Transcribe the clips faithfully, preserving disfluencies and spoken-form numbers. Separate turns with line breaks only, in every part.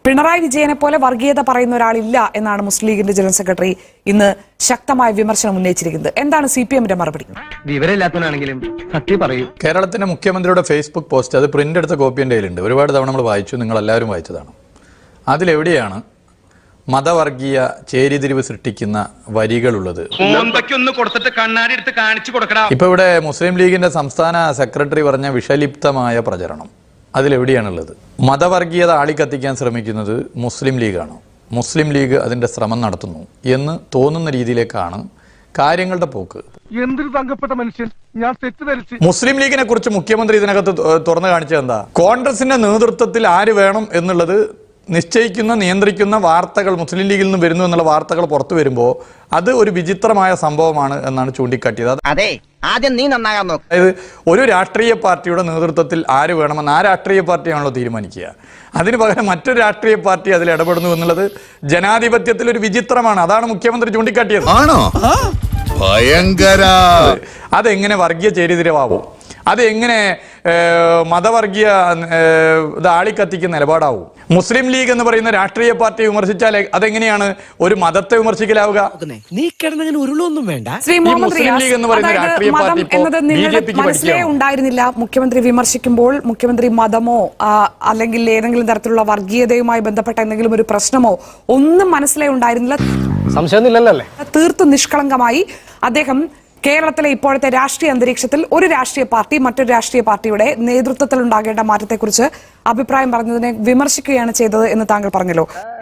പിണറായി വിജയനെ പോലെ വർഗീയത പറയുന്ന ഒരാളില്ല എന്നാണ് മുസ്ലിം ലീഗിന്റെ ജനറൽ സെക്രട്ടറി ഇന്ന് ശക്തമായ വിമർശനം ഉന്നയിച്ചിരിക്കുന്നത്. എന്താണ് സി പി എമ്മിന്റെ മറുപടി?
വിവരമില്ലാത്തവനാണെങ്കിലും സത്യം പറയൂ.
കേരളത്തിന്റെ മുഖ്യമന്ത്രിയുടെ ഫേസ്ബുക്ക് പോസ്റ്റ്, അത് പ്രിന്റ് എടുത്ത കോപ്പി എൻ്റെ കയ്യിലുണ്ട്. ഒരുപാട് തവണ നമ്മൾ വായിച്ചു, നിങ്ങൾ എല്ലാവരും വായിച്ചതാണ്. അതിലെവിടെയാണ് മതവർഗീയ ചേരിതിരിവ് സൃഷ്ടിക്കുന്ന വരികളുള്ളത്? ഇപ്പൊ ഇവിടെ മുസ്ലിം ലീഗിന്റെ സംസ്ഥാന സെക്രട്ടറി പറഞ്ഞ വിഷലിപ്തമായ പ്രചരണം അതിലെവിടെയാണുള്ളത്? മതവർഗീയത ആളിക്കത്തിക്കാൻ ശ്രമിക്കുന്നത് മുസ്ലിം ലീഗാണ്, മുസ്ലിം ലീഗ് അതിന്റെ ശ്രമം നടത്തുന്നു എന്ന് തോന്നുന്ന രീതിയിലേക്കാണ് കാര്യങ്ങളുടെ പോക്ക്.
എന്തൊരു തങ്കപ്പെട്ട മനുഷ്യൻ, ഞാൻ തെറ്റിദ്ധരിച്ചു.
മുസ്ലിം ലീഗിനെ കുറിച്ച് മുഖ്യമന്ത്രി ഇതിനകത്ത് തുറന്നു കാണിച്ചത് എന്താ? കോൺഗ്രസിന്റെ നേതൃത്വത്തിൽ ആര് വേണം എന്നുള്ളത് നിശ്ചയിക്കുന്ന നിയന്ത്രിക്കുന്ന വാർത്തകൾ മുസ്ലിം ലീഗിൽ നിന്ന് വരുന്നു എന്നുള്ള വാർത്തകൾ പുറത്തു വരുമ്പോൾ അത് ഒരു വിചിത്രമായ സംഭവമാണ് എന്നാണ് ചൂണ്ടിക്കാട്ടിയത്.
അതെ, ആദ്യം നീ നന്നാകാൻ നോക്ക്.
അതായത് ഒരു രാഷ്ട്രീയ പാർട്ടിയുടെ നേതൃത്വത്തിൽ ആര് വേണമെന്ന് ആ രാഷ്ട്രീയ പാർട്ടിയാണല്ലോ തീരുമാനിക്കുക. അതിന് പകരം മറ്റൊരു രാഷ്ട്രീയ പാർട്ടി അതിൽ ഇടപെടുന്നു എന്നുള്ളത് ജനാധിപത്യത്തിൽ ഒരു വിചിത്രമാണ്. അതാണ് മുഖ്യമന്ത്രി ചൂണ്ടിക്കാട്ടിയത്.
ആണോ? ഭയങ്കര.
അതെങ്ങനെ വർഗീയ ചേരിതിരിവാകും? അത് എങ്ങനെ മതവർഗീയ ഇത് ആളിക്കത്തിക്കുന്ന നിലപാടാവും? മുസ്ലിം ലീഗ് എന്ന് പറയുന്ന രാഷ്ട്രീയ പാർട്ടി വിമർശിച്ചാൽ അതെങ്ങനെയാണ് ഒരു മതത്തെ വിമർശിക്കലാവുക?
നീ കിടന്നങ്ങനെ ഉരുളൊന്നും വേണ്ട.
മുസ്ലിം ലീഗ് എന്ന് പറയുന്ന രാഷ്ട്രീയ പാർട്ടി
മനസ്സിലേ ഉണ്ടായിരുന്നില്ല. മുഖ്യമന്ത്രി വിമർശിക്കുമ്പോൾ മുഖ്യമന്ത്രി മതമോ അല്ലെങ്കിൽ ഏതെങ്കിലും തരത്തിലുള്ള വർഗീയതയുമായി ബന്ധപ്പെട്ട എന്തെങ്കിലും ഒരു പ്രശ്നമോ ഒന്നും മനസ്സിലേ ഉണ്ടായിരുന്നില്ല.
സംശയമൊന്നുമില്ലല്ലേ?
തീർത്തും നിഷ്കളങ്കമായി അദ്ദേഹം കേരളത്തിലെ ഇപ്പോഴത്തെ രാഷ്ട്രീയ അന്തരീക്ഷത്തിൽ ഒരു രാഷ്ട്രീയ പാർട്ടി മറ്റൊരു രാഷ്ട്രീയ പാർട്ടിയുടെ നേതൃത്വത്തിൽ ഉണ്ടാകേണ്ട മാറ്റത്തെക്കുറിച്ച് അഭിപ്രായം പറഞ്ഞതിനെ വിമർശിക്കുകയാണ് ചെയ്തത് എന്ന് താങ്കൾ പറഞ്ഞല്ലോ.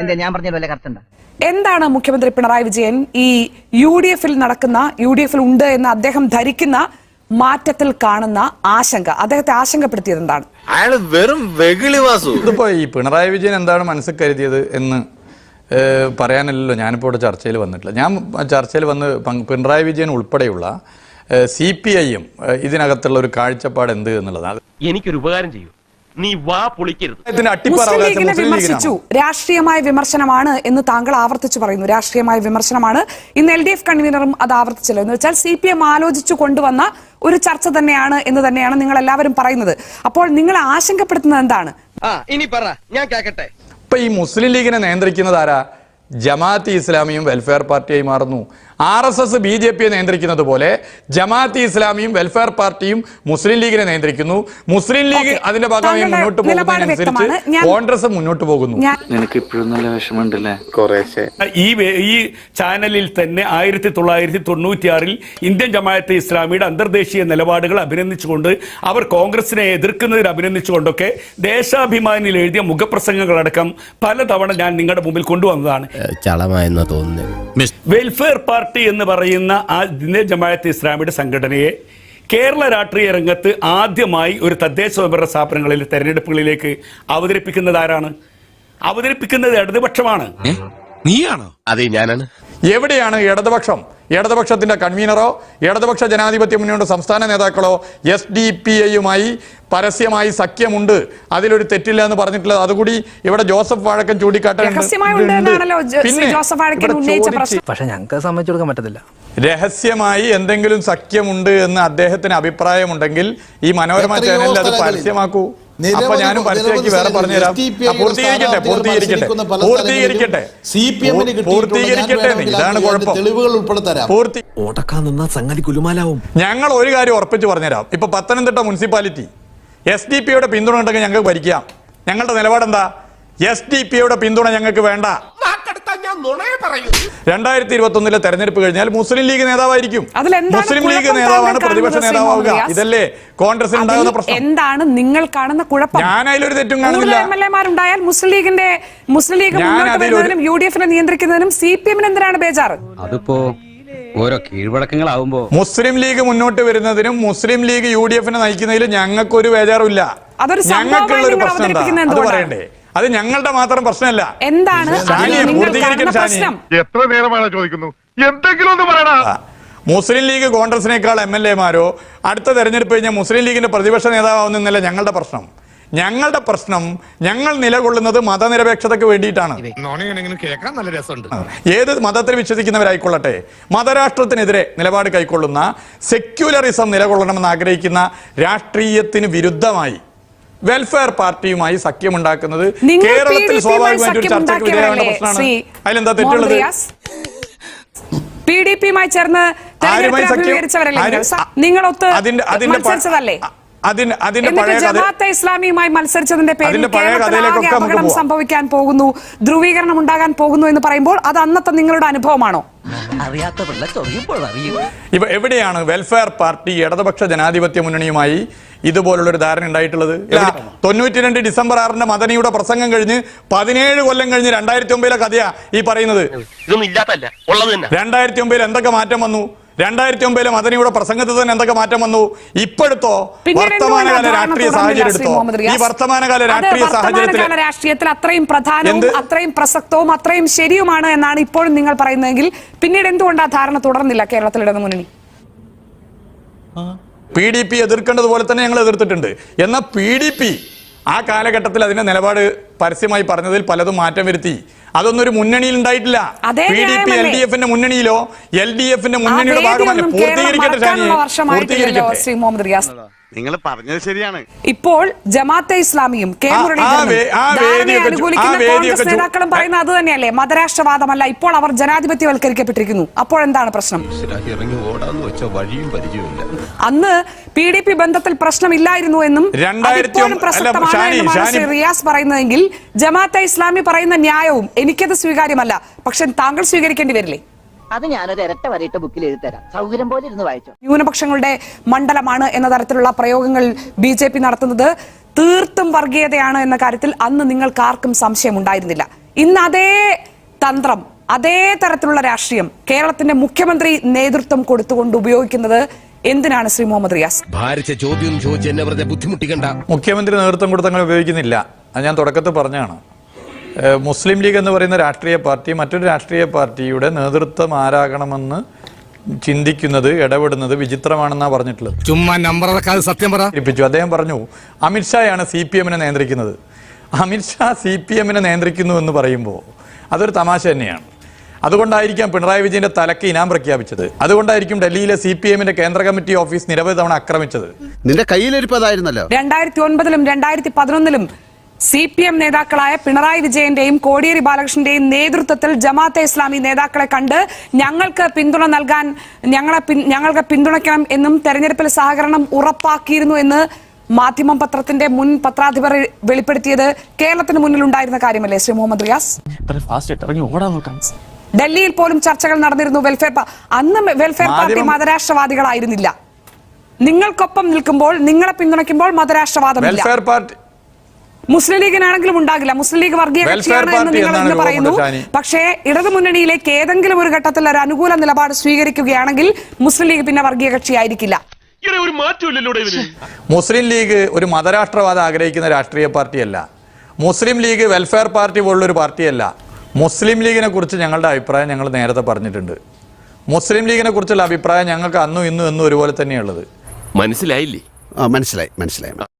എന്താണ് മുഖ്യമന്ത്രി പിണറായി വിജയൻ ഈ യു ഡി എഫിൽ നടക്കുന്ന യു ഡി എഫിൽ ഉണ്ട് എന്ന് അദ്ദേഹം ധരിക്കുന്ന മാറ്റത്തിൽ കാണുന്ന ആശങ്ക? അദ്ദേഹത്തെ ആശങ്കപ്പെടുത്തിയത് എന്താണ്?
അയാള് വെറും വെകിളിവാസു.
ഇതിപ്പോ ഈ പിണറായി വിജയൻ എന്താണ് മനസ്സിൽ കരുതിയത് എന്ന് പറയാനല്ലോ ഞാനിപ്പോൾ ഇവിടെ ചർച്ചയിൽ വന്നിട്ടില്ല. ഞാൻ ചർച്ചയിൽ വന്ന് പിണറായി വിജയൻ ഉൾപ്പെടെയുള്ള സി പി ഐ എം ഇതിനകത്തുള്ള ഒരു കാഴ്ചപ്പാട് എന്ത് എന്നുള്ളതാണ്.
എനിക്കൊരു ഉപകാരം ചെയ്യൂ, നീ വാ പൊളിക്കരുത്.
വിമർശിച്ചു, രാഷ്ട്രീയമായ വിമർശനമാണ് എന്ന് താങ്കൾ ആവർത്തിച്ചു പറയുന്നു. രാഷ്ട്രീയമായ വിമർശനമാണ്. ഇന്ന് എൽ ഡി എഫ് കൺവീനറും അത് ആവർത്തിച്ചല്ലോ. എന്ന് വെച്ചാൽ സി പി എം ആലോചിച്ചു കൊണ്ടുവന്ന ഒരു ചർച്ച തന്നെയാണ് എന്ന് തന്നെയാണ് നിങ്ങൾ എല്ലാവരും പറയുന്നത്. അപ്പോൾ നിങ്ങൾ ആശങ്കപ്പെടുത്തുന്നത് എന്താണ്?
ഇനി പറ, ഞാൻ കേക്കട്ടെ.
ഇപ്പൊ ഈ മുസ്ലിം ലീഗിനെ നിയന്ത്രിക്കുന്നത് ആരാ? ജമാഅത്ത് ഇസ്ലാമിയും വെൽഫെയർ പാർട്ടിയായി മാറുന്നു. R S S B J പിയെ നിയന്ത്രിക്കുന്നത് പോലെ ജമാഅത്ത് ഇസ്ലാമിയും വെൽഫെയർ പാർട്ടിയും മുസ്ലിം ലീഗിനെ നിയന്ത്രിക്കുന്നു. മുസ്ലിം ലീഗ് അതിന്റെ ഭാഗമായി മുന്നോട്ട് പോകുന്നതിനനുസരിച്ച് കോൺഗ്രസ് മുന്നോട്ട് പോകുന്നു.
നിനക്ക് ഇപ്പോഴും നല്ല വിഷമമുണ്ടല്ലേ?
ഈ ഈ ചാനലിൽ തന്നെ ആയിരത്തി തൊള്ളായിരത്തി തൊണ്ണൂറ്റിയാറിൽ ഇന്ത്യൻ ജമാഅത്തെ ഇസ്ലാമിയുടെ അന്തർദേശീയ നിലപാടുകൾ അഭിനന്ദിച്ചുകൊണ്ട് അവർ കോൺഗ്രസിനെ എതിർക്കുന്നതിൽ അഭിനന്ദിച്ചുകൊണ്ടൊക്കെ ദേശാഭിമാനിയിൽ എഴുതിയ മുഖപ്രസംഗങ്ങളടക്കം പലതവണ ഞാൻ നിങ്ങളുടെ മുമ്പിൽ കൊണ്ടുവന്നതാണ്. വെൽഫെയർ പാർട്ടി എന്ന് പറയുന്ന ആ ഇന്ത്യൻ ജമാഅത്തെ ഇസ്ലാമിയുടെ സംഘടനയെ കേരള രാഷ്ട്രീയ രംഗത്ത് ആദ്യമായി ഒരു തദ്ദേശ സ്വയംഭരണ സ്ഥാപനങ്ങളിൽ തെരഞ്ഞെടുപ്പുകളിലേക്ക് അവതരിപ്പിക്കുന്നത് ആരാണ്? അവതരിപ്പിക്കുന്നത് ഇടതുപക്ഷമാണ്.
നീയാണോ? അതെ, ഞാനാണ്.
എവിടെയാണ് ഇടതുപക്ഷം? ഇടതുപക്ഷത്തിന്റെ കൺവീനറോ ഇടതുപക്ഷ ജനാധിപത്യ മുന്നണിയുടെ സംസ്ഥാന നേതാക്കളോ എസ് ഡി പി ഐയുമായി പരസ്യമായി സഖ്യമുണ്ട്, അതിലൊരു തെറ്റില്ല എന്ന് പറഞ്ഞിട്ടുള്ളത് അതുകൂടി ഇവിടെ ജോസഫ് വാഴക്കൻ ചൂണ്ടിക്കാട്ടുന്നുണ്ട്.
പക്ഷെ ഞങ്ങൾക്ക് സമ്മതിച്ചു കൊടുക്കാൻ പറ്റത്തില്ല.
രഹസ്യമായി എന്തെങ്കിലും സഖ്യമുണ്ട് എന്ന് അദ്ദേഹത്തിന് അഭിപ്രായമുണ്ടെങ്കിൽ ഈ മനോരമ ചാനലിൽ അത് പരസ്യമാക്കൂ. അപ്പൊ ഞാനും പരസ്യമാക്കി വേറെ പറഞ്ഞുതരാം. പൂർത്തീകരിക്കട്ടെ പൂർത്തീകരിക്കട്ടെ പൂർത്തീകരിക്കട്ടെ പൂർത്തീകരിക്കട്ടെ ഇതാണ് കുഴപ്പം. ഞങ്ങൾ ഒരു കാര്യം ഉറപ്പിച്ച് പറഞ്ഞുതരാം. ഇപ്പൊ പത്തനംതിട്ട മുനിസിപ്പാലിറ്റി എസ് ഡി പിയുടെ പിന്തുണ ഉണ്ടെങ്കിൽ ഞങ്ങൾക്ക് ഭരിക്കാം. ഞങ്ങളുടെ നിലപാടെന്താ? എസ് ഡി പിയുടെ പിന്തുണ ഞങ്ങൾക്ക് വേണ്ട. രണ്ടായിരത്തി ഇരുപത്തി ഒന്നിലെ തെരഞ്ഞെടുപ്പ് കഴിഞ്ഞാൽ മുസ്ലിം ലീഗ് നേതാവായിരിക്കും. മുസ്ലിം ലീഗ് നേതാവാണ് പ്രതിപക്ഷ നേതാവാവുക. ഇതല്ലേ കോൺഗ്രസിൽ ഉണ്ടാകുന്ന പ്രശ്നം?
എന്താണ് നിങ്ങൾ കാണുന്ന കുഴപ്പം?
ഞാൻ അതിലൊരു തെറ്റും കാണുന്നില്ല.
എം എൽ എമാരുണ്ടായാൽ മുസ്ലിം ലീഗിന്റെ മുസ്ലിം ലീഗ് മുന്നോട്ട് വരുന്നതിനും യു ഡി എഫിനെ നിയന്ത്രിക്കുന്നതിനും സി പി എമ്മിന് എന്തിനാണ് ബേജാറ്?
അതിപ്പോ ഓരോ കീഴ്വഴക്കങ്ങളാവുമ്പോ മുസ്ലിം
ലീഗ് മുന്നോട്ട് വരുന്നതിനും മുസ്ലിം ലീഗ് യു ഡി എഫിനെ നയിക്കുന്നതിലും ഞങ്ങൾക്കൊരു ബേജാറുമില്ല. ഞങ്ങൾക്കുള്ള ഒരു പ്രശ്നം എന്താ അത് പറയണ്ടേ? അത് ഞങ്ങളുടെ മാത്രം പ്രശ്നമല്ല.
എന്താണ്
എത്ര നേരമാണ് ചോദിക്കുന്നു? എന്തെങ്കിലും ഒന്ന് പറയടാ.
മുസ്ലിം ലീഗ് കോൺഗ്രസിനേക്കാൾ എം എൽ എമാരോ അടുത്ത തെരഞ്ഞെടുപ്പ് കഴിഞ്ഞാൽ മുസ്ലിം ലീഗിന്റെ പ്രതിപക്ഷ നേതാവാവുന്നല്ല ഞങ്ങളുടെ പ്രശ്നം. ഞങ്ങളുടെ പ്രശ്നം ഞങ്ങൾ നിലകൊള്ളുന്നത് മതനിരപേക്ഷതയ്ക്ക് വേണ്ടിയിട്ടാണ്. ഏത് മതത്തിൽ വിശ്വസിക്കുന്നവരായിക്കൊള്ളട്ടെ, മതരാഷ്ട്രത്തിനെതിരെ നിലപാട് കൈക്കൊള്ളുന്ന സെക്യുലറിസം നിലകൊള്ളണമെന്ന് ആഗ്രഹിക്കുന്ന രാഷ്ട്രീയത്തിന് വിരുദ്ധമായി വെൽഫെയർ പാർട്ടിയുമായി സഖ്യമുണ്ടാക്കുന്നത്
നിങ്ങൾ
കേരളത്തിൽ
പി ഡി പിയുമായി
സ്വാഭാവികമായിട്ട് ഒരു ചർച്ചയ്ക്ക് വിധേയമാകുന്ന
സഖ്യമുണ്ടാക്കിയവരല്ലേ
പ്രശ്നമാണ്.
ശ്രീ
അതിലെന്താ
മുഹമ്മദ്
തെറ്റുള്ളത്?
റിയാസ്? പി ഡി പിയുമായി ചേർന്ന്
ആരുമായി
തെരഞ്ഞെടുപ്പിൽ
സഖ്യം?
അഭിമുഖീകരിച്ചവരല്ലേ നിങ്ങൾ?
ആര്?
സ- നിങ്ങളൊത്ത്
അതിന്റെ അതിന്റെ പ-
മത്സരിച്ചതല്ലേ?
അതിന്റെ അതിന്റെ
എന്നിട്ട്
പഴയ കഥ
ജമാഅത്തെ ഇസ്ലാമിയുമായി മത്സരിച്ചതിന്റെ പേരിൽ
അതിന്റെ പഴയ
കേരളത്തിൽ ആകെ
കഥയിലേക്കൊക്കെ നമുക്ക്
അപകടം
പോവാം.
സംഭവിക്കാൻ പോകുന്നു, ധ്രുവീകരണം ഉണ്ടാകാൻ പോകുന്നു എന്ന് പറയുമ്പോൾ അത് അന്നത്തെ നിങ്ങളുടെ അനുഭവമാണോ?
അറിയാത്ത പിള്ള ചൊറിയുമ്പോൾ അറിയും.
ഇവ എവിടെയാണ് വെൽഫെയർ പാർട്ടി ഇടതുപക്ഷ ജനാധിപത്യ മുന്നണിയുമായി ഇതുപോലുള്ള ഒരു ധാരണ ഉണ്ടായിട്ടുള്ളത്? തൊണ്ണൂറ്റി രണ്ട് ഡിസംബർ ആറിന്റെ മദനിയുടെ പ്രസംഗം കഴിഞ്ഞ് പതിനേഴ് കൊല്ലം കഴിഞ്ഞ് രണ്ടായിരത്തി ഒമ്പതിലെ കഥയാ ഈ പറയുന്നത്.
ഇതൊന്നും ഇല്ലാത്തല്ല, ഉള്ളത് തന്നെ.
രണ്ടായിരത്തി ഒമ്പതിൽ എന്തൊക്കെ മാറ്റം വന്നു? രണ്ടായിരത്തി ഒമ്പതിലെ മദനിയുടെ പ്രസംഗത്തിൽ തന്നെ എന്തൊക്കെ മാറ്റം വന്നു? ഇപ്പോഴത്തോ വർത്തമാനകാല രാഷ്ട്രീയ സാഹചര്യം എടുത്തോ? ഈ വർത്തമാനകാല രാഷ്ട്രീയ സാഹചര്യത്തിൽ
രാഷ്ട്രീയത്തിൽ അത്രയും പ്രധാനവും
എന്ത്?
അത്രയും പ്രസക്തവും അത്രയും ശരിയുമാണ് എന്നാണ് ഇപ്പോഴും നിങ്ങൾ പറയുന്നതെങ്കിൽ പിന്നീട് എന്തുകൊണ്ട് ആ ധാരണ തുടർന്നില്ല കേരളത്തിൽ ഇടതു മുന്നണി?
പി ഡി പി എതിർക്കേണ്ടതുപോലെ തന്നെ ഞങ്ങൾ എതിർത്തിട്ടുണ്ട്. എന്നാൽ പി ഡി പി ആ കാലഘട്ടത്തിൽ അതിന്റെ നിലപാട് പരസ്യമായി പറഞ്ഞതിൽ പലതും മാറ്റം വരുത്തി. അതൊന്നും ഒരു മുന്നണിയിൽ ഉണ്ടായിട്ടില്ല.
അതേ
P D P L D എഫിന്റെ മുന്നണിയിലോ എൽ ഡി എഫിന്റെ മുന്നണിയുടെ ഭാഗമല്ല. പൂർത്തീകരിക്കട്ടെ ഷാനി, പൂർത്തീകരിക്കട്ടെ.
ശ്രീ മുഹമ്മദ് റിയാസ്,
നിങ്ങൾ പറഞ്ഞത് ശരിയാണ്.
ഇപ്പോൾ ജമാഅത്തെ ഇസ്ലാമിയും കെ
ആ-
മുരളീധരനും
ആ വേ- ആ
ധാരണയെ
വേദിയൊക്കെ ചു-
അനുകൂലിക്കുന്ന
ആ വേദിയൊക്കെ
കോൺഗ്രസ്
ചു-
നേതാക്കളും പറയുന്നത് അത് തന്നെയല്ലേ? മതരാഷ്ട്രവാദമല്ല, ഇപ്പോൾ അവർ ജനാധിപത്യവൽക്കരിക്കപ്പെട്ടിരിക്കുന്നു. അപ്പോൾ എന്താണ് പ്രശ്നം?
ഇറങ്ങി ഓടാന്ന് വെച്ച വഴിയും പരിചയമില്ല.
അന്ന് പി ഡി പി ബന്ധത്തിൽ പ്രശ്നമില്ലായിരുന്നു എന്നും
രണ്ടായിരത്തി
അതിപ്പോഴും പ്രസക്തമാണ്
ഷാനി,
എന്നുമാണ്
ഷാനി-
ശ്രീ റിയാസ് പറയുന്നതെങ്കിൽ ജമാഅത്തെ ഇസ്ലാമി പറയുന്ന ന്യായവും എനിക്കത് സ്വീകാര്യമല്ല, പക്ഷെ താങ്കൾ സ്വീകരിക്കേണ്ടി വരില്ലേ?
അത് ഞാനൊരു ഇരട്ട വരയിട്ട ബുക്കിൽ എഴുതി തരാം, സൗകര്യം പോലെ ഇരുന്ന് വായിച്ചോ.
ന്യൂനപക്ഷങ്ങളുടെ മണ്ഡലമാണ് എന്ന തരത്തിലുള്ള പ്രയോഗങ്ങൾ ബി ജെ പി നടത്തുന്നത് തീർത്തും വർഗീയതയാണ് എന്ന കാര്യത്തിൽ അന്ന് നിങ്ങൾക്ക് ആർക്കും സംശയമുണ്ടായിരുന്നില്ല. ഇന്ന് അതേ തന്ത്രം, അതേ തരത്തിലുള്ള രാഷ്ട്രീയം കേരളത്തിന്റെ മുഖ്യമന്ത്രി നേതൃത്വം കൊടുത്തുകൊണ്ട് ഉപയോഗിക്കുന്നത് എന്തിനാണ് ശ്രീ മുഹമ്മദ് റിയാസ്?
ഭാരിച്ച ചോദ്യം ചോദിച്ച് എന്നെ വെറുതെ ബുദ്ധിമുട്ടിക്കണ്ട.
മുഖ്യമന്ത്രി നേതൃത്വം കൊടുത്ത് അങ്ങനെ ഉപയോഗിക്കുന്നില്ല. അത് ഞാൻ തുടക്കത്തിൽ പറഞ്ഞാണ്. ഏഹ് മുസ്ലിം ലീഗ് എന്ന് പറയുന്ന രാഷ്ട്രീയ പാർട്ടി മറ്റൊരു രാഷ്ട്രീയ പാർട്ടിയുടെ നേതൃത്വം ആരാകണമെന്ന് ചിന്തിക്കുന്നത്, ഇടപെടുന്നത് വിചിത്രമാണെന്നാണ് പറഞ്ഞിട്ടുള്ളത്.
ചുമ്മാ നമ്പർ സത്യം പറ.
അദ്ദേഹം പറഞ്ഞു അമിത്ഷായാണ് സി പി എമ്മിനെ നിയന്ത്രിക്കുന്നത്. അമിത്ഷാ സി പി എമ്മിനെ നിയന്ത്രിക്കുന്നു എന്ന് പറയുമ്പോൾ അതൊരു തമാശ തന്നെയാണ്. അതുകൊണ്ടായിരിക്കാം പിണറായി വിജയന്റെ തലക്ക് ഇനാം പ്രഖ്യാപിച്ചത്. അതുകൊണ്ടായിരിക്കും ഡൽഹിയിലെ സി പി എമ്മിന്റെ കേന്ദ്ര കമ്മിറ്റി ഓഫീസ് നിരവധി തവണ ആക്രമിച്ചത്.
നിന്റെ കയ്യിലിരിപ്പതായിരുന്നല്ലോ.
രണ്ടായിരത്തി ഒൻപതിലും രണ്ടായിരത്തി പതിനൊന്നിലും സി പി എം നേതാക്കളായ പിണറായി വിജയന്റെയും കോടിയേരി ബാലകൃഷ്ണന്റെയും നേതൃത്വത്തിൽ ജമാഅത്തെ ഇസ്ലാമി നേതാക്കളെ കണ്ട് ഞങ്ങൾക്ക് പിന്തുണ നൽകാൻ ഞങ്ങളെ ഞങ്ങൾക്ക് പിന്തുണയ്ക്കണം എന്നും തെരഞ്ഞെടുപ്പിൽ സഹകരണം ഉറപ്പാക്കിയിരുന്നു എന്ന് മാധ്യമം പത്രത്തിന്റെ മുൻ പത്രാധിപർ വെളിപ്പെടുത്തിയത് കേരളത്തിന് മുന്നിൽ ഉണ്ടായിരുന്ന കാര്യമല്ലേ ശ്രീ മുഹമ്മദ് റിയാസ്? ഡൽഹിയിൽ പോലും ചർച്ചകൾ നടന്നിരുന്നു. വെൽഫെയർ അന്ന് വെൽഫെയർ പാർട്ടി മതരാഷ്ട്രവാദികളായിരുന്നില്ല. നിങ്ങൾക്കൊപ്പം നിൽക്കുമ്പോൾ, നിങ്ങളെ പിന്തുണയ്ക്കുമ്പോൾ മതരാഷ്ട്രവാദമില്ല.
വെൽഫെയർ പാർട്ടി
മുസ്ലിം ലീഗിനാണെങ്കിലും ഉണ്ടാകില്ല. മുസ്ലിം ലീഗ് വർഗീയ കക്ഷിയാണ് എന്ന് നിങ്ങൾ ഇന്ന് പറയുന്നു. പക്ഷേ ഇടതു മുന്നണിയിലേക്ക് ഏതെങ്കിലും ഒരു ഘട്ടത്തിൽ ഒരു അനുകൂല നിലപാട് സ്വീകരിക്കുകയാണെങ്കിൽ മുസ്ലിം ലീഗ് പിന്നെ വർഗീയ കക്ഷിയായിരിക്കില്ല.
ഒരു മാറ്റമില്ലല്ലോ ഇവര്.
മുസ്ലിം ലീഗ് ഒരു മതരാഷ്ട്രവാദം ആഗ്രഹിക്കുന്ന രാഷ്ട്രീയ പാർട്ടിയല്ല. മുസ്ലിം ലീഗ് വെൽഫെയർ പാർട്ടി പോലുള്ളൊരു പാർട്ടിയല്ല. മുസ്ലിം ലീഗിനെ കുറിച്ച് ഞങ്ങളുടെ അഭിപ്രായം ഞങ്ങൾ നേരത്തെ പറഞ്ഞിട്ടുണ്ട്. മുസ്ലിം ലീഗിനെ കുറിച്ചുള്ള അഭിപ്രായം ഞങ്ങൾക്ക് അന്നും ഇന്നും എന്നും ഒരുപോലെ തന്നെയുള്ളത്.
മനസ്സിലായില്ലേ? മനസ്സിലായി മനസ്സിലായി.